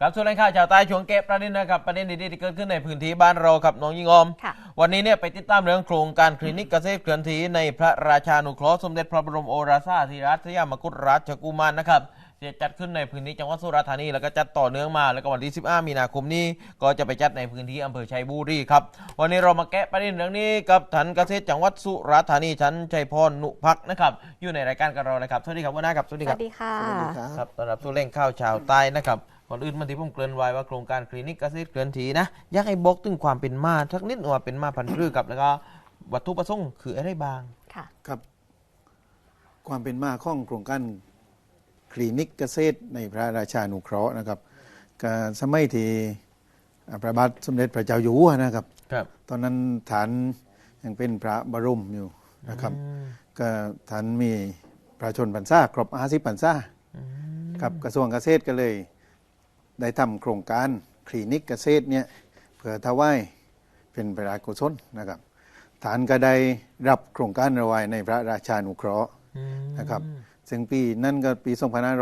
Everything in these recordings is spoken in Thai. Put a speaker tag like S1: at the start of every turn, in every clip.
S1: ครับส่วนรายข่าวชาวใต้ช่วงเก็บประเด็นนะครับประเด็นดีๆที่เกิดขึ้นในพื้นที่บ้านเราครับน้องยิงอมวันนี้เนี่ยไปติดตามเรื่องโครงการคลินิกเกษตรเคลื่อนที่ในพระราชานุเคราะห์สมเด็จพระบรมโอรสาธิราชสยามกุฎราชกุมารนะครับจะจัดขึ้นในพื้นที่จังหวัดสุราษฎร์ธานีแล้วก็จัดต่อเนื่องมาแล้วก็วันที่15มีนาคมนี้ก็จะไปจัดในพื้นที่อำเภอชัยบุรีครับวันนี้เรามาแกะประเด็นเรื่องนี้กับท่านเกษตรจังหวัดสุราษฎร์ธานีชั้นชัยพรนุพักนะครับอยู่ในรายการกับเรานะครับสวัสดีครับวันนะครับสวัสดีครับ
S2: สวัสดีค่ะ
S1: ครับต้อนรับสู่เล่งข้าวชาวใต้นะครับก่อนอื่นมันที่ผมเกริ่นไว้ว่าโครงการคลินิกเกษตรเคลื่อนที่นะอยากให้บอกถึงความเป็นมาสักนิดว่าเป็นมาพันธุ์พืชกับแล้วก็วัตถุประสงค์คืออะไรบ้าง
S2: ค่ะ
S3: ครับความเป็นมาของโครงการคลินิกเกษตรในพระราชานุเคราะห์นะครับก็สมัยที่พระบาทสมเด็จพระเจ้าอยู่หัวนะครับตอนนั้นฐานยังเป็นพระบรมอยู่นะครับก็ฐานมีประชาชนพรรษาครบ50พรรษากับกระทรวงเกษตรก็เลยได้ทำโครงการคลินิกเกษตรเนี่ยเพื่อถวายเป็นพระราชกุศลนะครับฐานก็ได้รับโครงการเอาไว้ในพระราชานุเคราะห์นะครับซึ่งปีนั่นก็ปี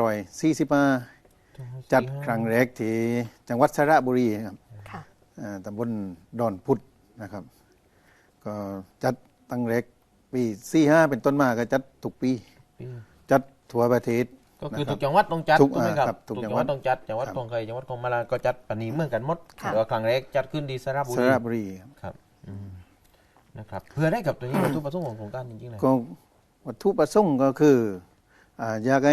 S3: 2545จัดครั้งแรกที่จังหวัดสระบุรีครับตำบลดอนพุธนะครับก็จัดตั้งแรกปี45เป็นต้นมาก็จัดทุกปีจัดทั่วประเทศ
S1: ก็คือทุกจังหวัดต้องจัดถูกไหมครับทุกจังหวัดต้องจัดจังหวัดของใครจังหวัดของมาลาก็จัดปณีเหมือนกันหมดแต่ว่าครั้งแรกจัดขึ้นที่สระบุรีครับนะครับเพื่อได้กับตัวนี้วัตถุประสงค์ของโครงการจริงๆเลย
S3: ก็วัตถุประสงค์ก็คืออยากให้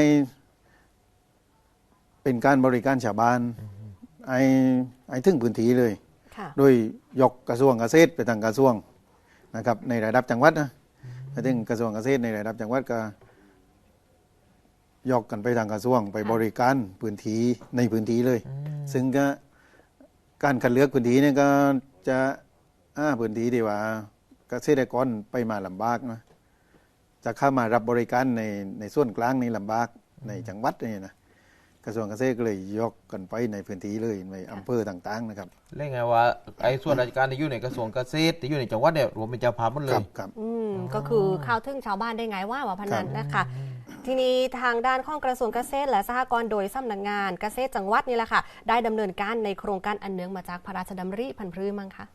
S3: เป็นการบริการชาวบ้านไอ้ถึงพื้นที่เลยโดยยกกระทรวงเกษตรไปทางกระทรวงนะครับในระดับจังหวัดนะถึงกระทรวงเกษตรในระดับจังหวัดก็ยกกันไปทางกระทรวงไปบริการพื้นที่ในพื้นที่เลยซึ่งก็การคัดเลือกพื้นที่เนี่ยก็จะพื้นที่ที่ว่าเกษตรกรไปมาลำบากนะจะเข้ามารับบริการในส่วนกลางนี่ลำบากในจังหวัดนี่นะกระทรวงเกษตรก็เลยยกกันไปในพื้นที่เลยในอำเภอต่างๆนะครับ
S1: เรียกไงว่าไอ้ส่วนราชการที่อยู่ในกระทรวงเกษตรที่อยู่ในจังหวัดเนี่ยรวมเป็นเจ้าภาพหมดเลย
S3: ครับ
S2: ก็คือเข้าถึงชาวบ้านได้ไงว่าพนันนะคะทีนี้ทางด้านของกระทรวงเกษตรและสหกรณ์โดยสำนักงานเกษตรจังหวัดนี่แหละค่ะได้ดำเนินการในโครงการอันเนื่องมาจากพระราชดำริพันธุ์พืชมั้งคะ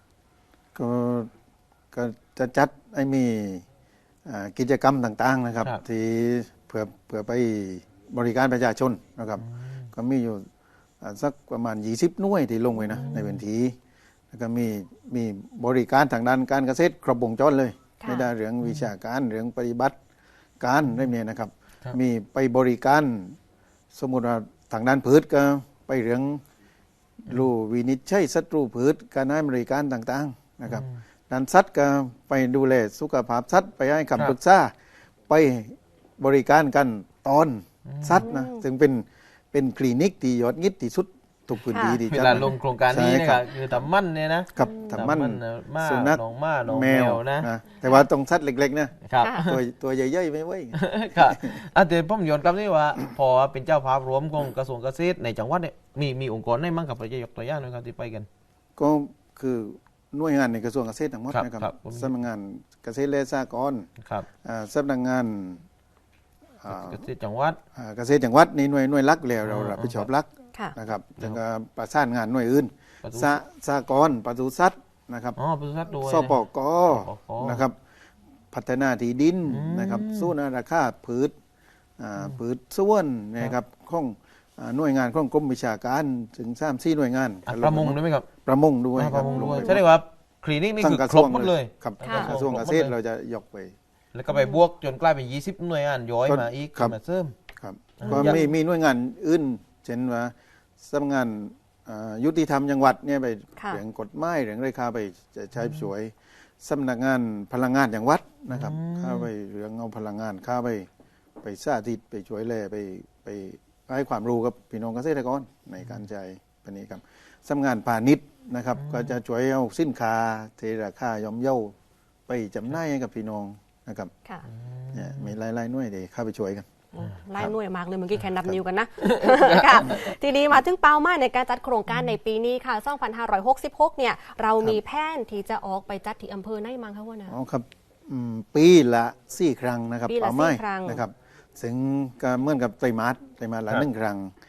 S3: ก็จะจัดมีกิจกรรมต่างๆนะครับที่เพื่อไปบริการประชาชนนะครับก็มีอยู่สักประมาณ20หน่วยที่ลงไปนะในพื้นที่แล้วก็มีบริการทางด้านการเกษตรครบวงจรเลยในด้านเรื่องวิชาการเรื่องปฏิบัติการได้มีนะครับมีไปบริการสมมุติว่าทางด้านพืชก็ไปเรื่องรู้วินิจฉัยศัตรูพืชการให้บริการต่างๆนะครับด้านสัตว์ก็ไปดูแลสุขภาพสัตว์ไปให้คำปรึกษาไปบริการกันตอนสัตว์นะซึ่งเป็นคลินิกที่ยอดฮิตที่สุดทุกพื้นที่ที่
S1: จะลงโครงการนี้นะครับคือตำมั่นเนี่ยนะครับ
S3: ตำมั่น
S1: สุนัขน้องแมวนะ
S3: แต่ว่าตรงสัตว์เล็กๆนะครับตัวใหญ่ๆไม่ไหว
S1: ครับเดี๋ยวผมย้อนกลับนี่ว่าพอเป็นเจ้าภาพรวมของกระทรวงเกษตรในจังหวัดเนี่ยมีองค์กรไหนมั่งครับเราจะยกตัวอย่างหน่อยครับที่ไปกัน
S3: ก็คือหน่วยงานในกระทรวงเกษตรทั้งหมดนะครับสำนักงานเกษตรและสหกรณ์สำนักงาน
S1: เกษตรจังหวัด
S3: เกษตรจังหวัดนี่หน่วยหลักแล้วเรารับผิดชอบหลักนะครับแล้วก็ประสานงานหน่วยอื่นสหกรณ์ปศุสัตว์นะครับ
S1: ปศุสัตว์ด้วย
S3: สปก.นะครับพัฒนาที่ดินนะครับสู้นาราคาพืชส่วนนะครับของหน่วยงานของกรมวิชาการถึง3-4หน่วยงาน
S1: ประมงด้วยไหมครับ
S3: ประมงด้วย
S1: ใช่ไหมว่าคลินิกนี่คือครบหมดเลย
S3: ครับกระทรวงเกษตรเราจะยกไป
S1: แล้วก็ไปบวกจนกลายเป็น20หน่วยงานย้อยมาอีกมาเสริม
S3: ครับก็มีหน่วยงานอื่นเช่นว่าสำนักงานยุติธรรมจังหวัดเนี่ยไปเรื่องกฎหมายเรื่องราคาไปจะใช้สวยสำนักงานพลังงานจังหวัดนะครับเข้าไปเรื่องเอาพลังงานเข้าไปสาธิตไปช่วยแลไปให้ความรู้กับพี่น้องเกษตรกรในการใช้ปนี้ครับสำนักงานพาณิชย์นะครับก็จะช่วยเอาสินค้าเทราคาย่อมเยาไปจำหน่ายให้กับพี่น้องนะครับเนี่ยมีหลายๆหน่วยเดี๋ยวเข้าไปช่วยกัน
S2: ไล่หน่วยมากเลยเมื่อกี้แค่นับนิ้วกันนะค่ะทีนี้มาถึงเป้าหมายในการจัดโครงการในปีนี้ค่ะ2566เนี่ยเรามีแผนที่จะออกไปจัดที่อำเภอไหนมั้งคะว่านะ
S3: อ๋อครับปีละ4 ครั้งนะครับเป้าหมายนะครับซึ่งก็เหมือนกับไตรมาสละ1 ครั้ง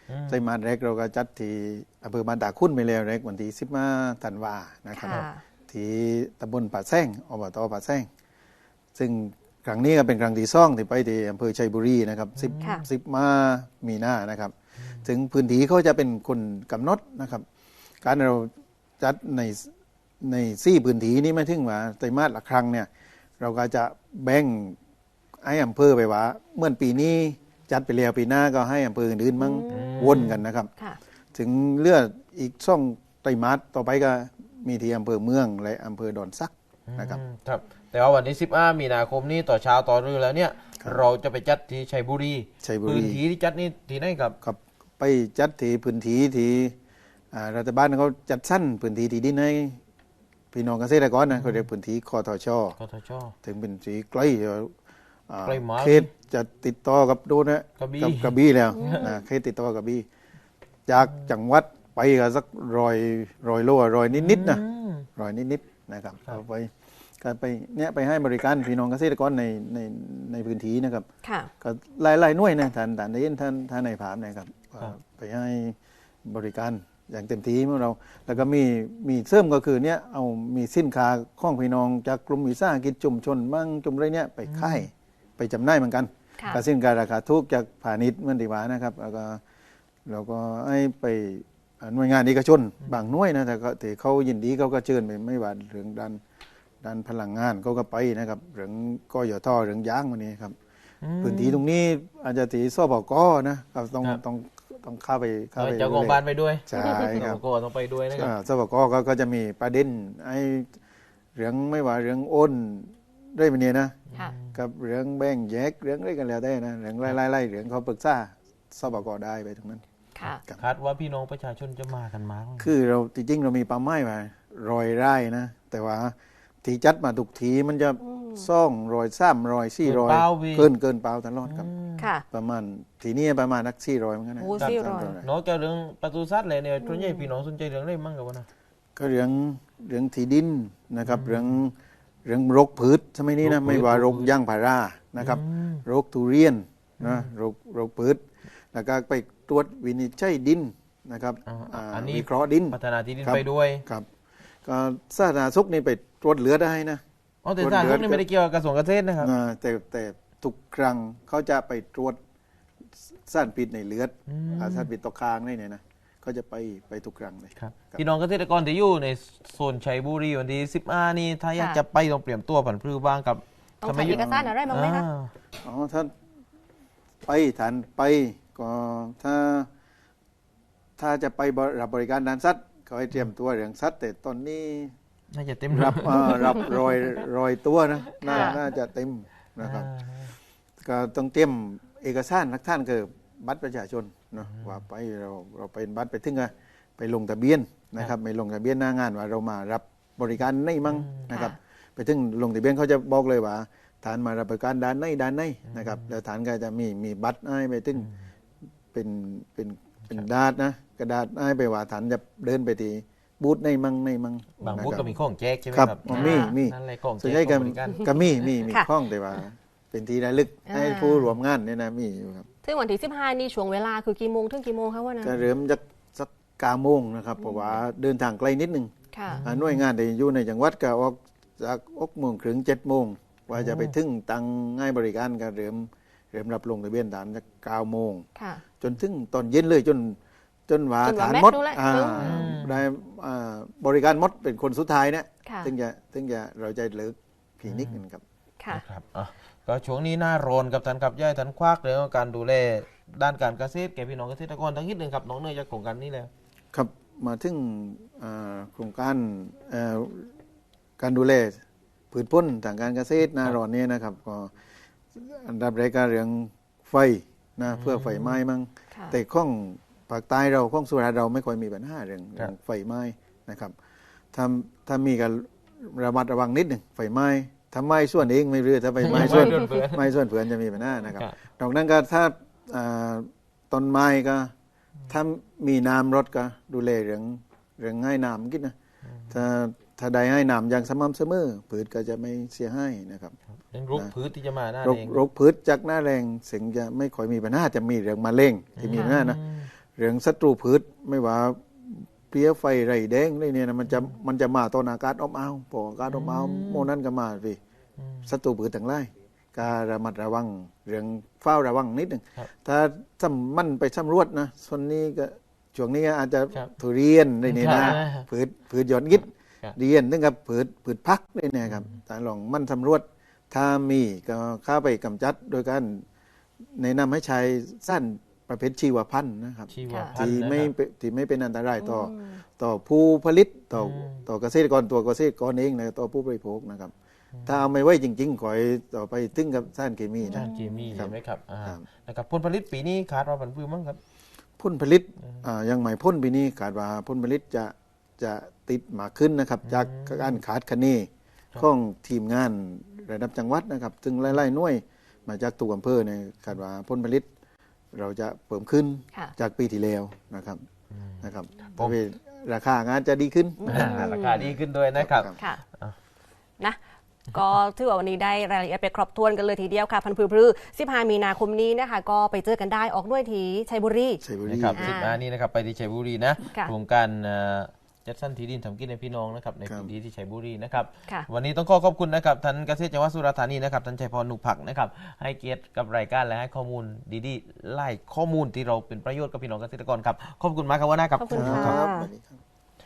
S3: ไตรมาสแรกเราก็จัดที่อำเภอบ้านตาคุ้นไปแล้วแรกวันที่15 ธันวานะครับ
S2: ค่ะ
S3: ที่ตำบลป่าแซงอบตป่าแซงซึ่งครั้งนี้ก็เป็นครั้งที่สองที่ไปที่อำเภอชัยบุรีนะครับ
S2: ค่ะ
S3: 10 มีนานะครับ ถึงพื้นที่เขาจะเป็นคนกำหนดนะครับ การเราจัดใน4พื้นที่นี้ไม่ถึงว่าไตรมาสละครั้งเนี่ยเราก็จะแบ่งให้อำเภอไปว่าเมื่อปีนี้จัดไปแล้วปีหน้าก็ให้อำเภออื่นๆมั่งวนกันนะครับ
S2: ค่ะ
S3: ถึงเลือดอีกช่องไตรมาสต่อไปก็มีที่อำเภอเมืองและอำเภอดอนซักนะครับ
S1: ครับแต่ว่าวันที่15 มีนาคมนี้ต่อเช้าต่อเรือแล้วเนี่ย
S3: ครับ
S1: เราจะไปจัดที่ชัยบุรี
S3: ชัยบุรี
S1: พื้นที่ที่จัดนี่ที่ไหนครับ
S3: ครับไปจัดที่พื้นที่ที่รัฐบาลเขาจัดสั้นพื้นที่ที่ดินให้พี่น้องเกษตรกรนะเขาเรียกพื้นที่คอทช
S1: กทช
S3: ถึงเป็นสีใกล้
S1: ใกล้มาก
S3: เขตจะติดต่อกับดูนะ
S1: กระบี่
S3: กับกระบี่แล้วนะเขตติดต่อกับกระบี่จากจังหวัดไปก็สักร้อยโลร้อยนิดๆนะ ร้อยนิดๆนะครับ
S1: ครับ
S3: ก็ไปเนี่ยไปให้บริการพี่น้องเกษตรกรในพื้นที่นะครับ
S2: ค่ะ
S3: ก็หลายๆหน่วยนะท่านได้ยินท่านในภาพนะครับไปให้บริการอย่างเต็มที่ของเรา แล้วก็มีเสริมก็คือเนี่ยเอามีสินค้าของพี่น้องจากกลุ่มวิสาหกิจชุมชนมั่งจุมไรเนี่ยไปขายไปจำหน่ายเหมือนกัน
S2: ค่ะ
S3: กับสินค้าราคาถูกจากพาณิชย์เหมือนที่ว่านะครับ แล้วก็ให้ไปหน่วยงานเอกชนบางหน่วยนะแต่ก็ที่เขายินดีเขาก็เชิญไปไม่ว่าเรื่องด้านพลังงานเขาก็ไปนะครับเรื่องกยทเรื่องยางวันนี้ครับ พื้นที่ตรงนี้อาจจะที่สบกนะครับต้องเข้าไป
S1: เจ้าของบ้านไปด้วย
S3: ใช่ครับ
S1: ก็ต้องไปด้วยนะครับ
S3: สบกก็จะมีประเด็นไอ้เรื่องไม่ว่าเรื่องโอนได้ไปเนี่ยนะ
S2: ค่ะ
S3: กับเรื่องแบ่งแยกเรื่องอะไรกันแล้วได้นะเรื่องไล่เรื่องเขาปรึกษาสบกได้ไปตรงนั้น
S2: ค่ะ
S1: คาดว่าพี่น้องประชาชนจะมากันมาก
S3: คือเราจริงๆเรามีเป้าหมายไว้100 ไร่นะแต่ว่าที่จัดมาทุกทีมันจะ200 300 400เกินเปล่าตลอดครับ
S2: ค่ะ
S3: ประมาณทีนี้ประมาณนัก400เหมือนกันนะ
S2: โอ้400
S1: นอกจากเรื่องประตูซัดเลยเนี่ยส่วนใหญ่พี่น้องสนใจเรื่องอะไรมั่งกับวะนะ
S3: ก็เรื่องที่ดินนะครับเรื่องรกพืชสมัยนี้นะ
S1: รกพืช
S3: ไม่ว่ารกย่างพารานะครับรกทุเรียนนะรกพืชแล้วก็ไปตรวจวินิจฉัยดินนะครับ
S1: อันนี้
S3: วิเคราะห์ดิน
S1: พัฒนาที่ดิน
S3: ครับ
S1: ไปด้วย
S3: ครับก็สาธารณสุขนี่ไปตรวจเหลือได้นะ
S1: อ๋อแต่สาธารณสุขนี่ไม่ได้เกี่ยวกับกระทรวงเกษตรนะครับ
S3: แต่ทุกครั้งเขาจะไปตรวจสารพิษในเลือดสารพิษตกค้างนี่เนี่ยนะเขาจะไปทุกครั้งเลย
S1: ครับพี่น้องเกษตรกรที่อยู่ในโซนชัยบุรีวันที่15นี่ถ้าอยากจะไปต้องเตรียมตัวผันพลือบ้างกับ
S2: ต้องใช้เอกสารอะไรบ้างไหมคะ
S3: อ๋อถ้าไปฐานไปก็ถ้าจะไปรับบริการด้านสัตว์เขาให้เตรียมตัวเรื่องสัตว์แต่ตอนนี้
S1: น่าจะเต็ม
S3: รับรอยตัวนะน่าจะเต็มนะครับก็ต้องเตรียมเอกสารหลักฐานคือบัตรประชาชนเนาะว่าไปเราเป็นบัตรไปถึงไปลงทะเบียนนะครับไม่ลงทะเบียนหน้างานว่าเรามารับบริการในมั่งนะครับไปถึงลงทะเบียนเขาจะบอกเลยว่าฐานมารับบริการด้านในนะครับแล้วฐานก็จะมีบัตรให้ไปถึงเป็นดาดนะกระดาษให้ไปว่าฐานจะเดินไปที่บูธในมั่ง
S1: บางบูธก็มีของแจกใช่ไหม
S3: ครับ
S1: ครับ
S3: มี
S1: นั่นแหละของแจ
S3: ส่วน
S1: ก
S3: ใหญ่
S1: ของบริการ
S3: ก็มีข้องแต่ว่า เป็นที่ระลึกให้ผู้รวมงานเนี่ยนะมีอยู่ครับ
S2: ซึ่งวันที่15นี่ช่วงเวลาคือกี่โมงถึงกี่โมงคะว่านะ
S3: ก็เริ่มจากสัก9 โมงนะครับเพราะว่าเดินทางไกลนิดนึง
S2: ค่ะ
S3: หน่วยงานที่อยู่ในจังหวัดก็ออกจาก6 โมงถึง7 โมงว่าจะไปถึงตังง่ายบริการก็เริ่มรับลงทะเบียนฐานจาก9 โมง
S2: ค่ะ
S3: จนถึงตอนเย็นเลยจนว่า
S2: จนว่า
S3: ฐาน
S2: แม็ก
S3: มด
S2: ซ์นู่นแหละ
S3: ได้บริการมดเป็นคนสุดท้ายเนี่ย
S2: ค่ะ
S3: ถึงจะเราจะเลิกพีนิกนึงครับ
S2: ค่ะ
S1: ครับอ่ะก็ช่วงนี้หน้าร้อนกับท่านขับย่ายท่านควักเรื่องของการดูแลด้านการเกษตรแก่พี่น้องเกษตรกรทั้งนิดหนึ่งครับน้องเนยจากโครงการนี้แล้ว
S3: ครับมาถึงโครงการการดูแลพืชผลทางการเกษตรหน้าร้อนนี้นะครับก็อันดับแรกก็เรื่องไฟนะเพื่อไฟไหม้มั่ง
S2: ค่ะ
S3: แต่ข้องภาคใต้เราข้องสุราษฎร์เราไม่ค่อยมีปัญหาเรื่องไฟไหม้นะครับถ้ามีการระมัดระวังนิดหนึ่งไฟไหม้ถ้าไหม้ส่วนเองไม่เรือถ้าไฟไหม้ส่วนไหม้ส่วนเผื่อนจะมีปัญหานะครับนอกนั้นก็ถ้าต้นไม้ก็ถ้ามีน้ำรดก็ดูแลเรื่องให้น้ำกินนะถ้าได้ให้น้ำอย่างสม่ำเสมอพืชก็จะไม่เสียหายนะครับ
S1: เรื่องรุกพืชที่จะมาหน้าเอง
S3: โรคพืชจากหน้าแรงเสียงจะไม่ค่อยมีปัญหาจะมีเรื่องมะเร็งที่มีปัญหานะเรื่องศัตรูพืชไม่ว่าเปลี้ยไฟไรแดงอะไรเนี่ยนะมันจะมาตอนอากาศอบอ้าวพออากาศอบอ้าวโมนั้นก็มาพี่ศัตรูพืชต่างหลายการระมัดระวังเรื่องเฝ้าระวังนิดหนึ่งถ้ามันไปสำรวจนะส่วนนี้ก็ช่วงนี้อาจจะทุเรียนอะไรเนี่ยนะพืชยอดฮิตเรียนถึงกับพืชพักเลยเนี่ยครับแต่ลองมันสำรวจถ้ามีก็เข้าไปกำจัดโดยการแนะนำให้ใช้สั้นประเภทชีวพันธุ์นะครับที่ไม่เป็นอันตรายต่อผู้ผลิตต่อเกษตรกรตัวเกษตรกรเองนะต่อผู้บริโภคนะครับถ้าเอาไม่ไว้จริงๆขอให้ต่อไปถึงกับสารเคมีนะ
S1: สารเคมีใช่ไหมครับนะครับผลผลิตปีนี้ขาดเราผันพืชมั้งครับ
S3: ผลผลิตยังไม่พ้นปีนี้ขาดว่าผลผลิตจะติดมากขึ้นนะครับจากการขาดคะเนของทีมงานระดับจังหวัดนะครับซึ่งไล่ๆหน่วยมาจากตัวอำเภอเนี่ยคาดว่าผลผลิตเราจะเพิ่มขึ้นจากปีที่แล้วนะครับเพราะราคางานจะดีขึ้น
S1: ราคาดีขึ้นด้วยนะครับ
S2: นะก็ถือว่าวันนี้ได้รายละเอียดไปครบถ้วนกันเลยทีเดียวค่ะพันธุ์พืช15 มีนาคมนี้นะคะก็ไปเจอกันได้ออกด้วยที่ชัยบุรี
S1: นะครับ15นี้นะครับไปที่ชัยบุรีนะโครงการจัดสรรที่ดินทำกินในพี่น้องนะครับในพื้นที่ที่ชัยบุรีนะครับวันนี้ต้องขอบคุณนะครับท่านเกษตรจังหวัดสุราษฎร์ธานีนะครับท่านชัยพร นุผักนะครับให้เกียรติกับรายการและให้ข้อมูลดีๆไล่ข้อมูลที่เราเป็นประโยชน์กับพี่น้องเกษตรกรครับขอบคุณมากครับว่านะครับ
S2: ขอบคุณครับ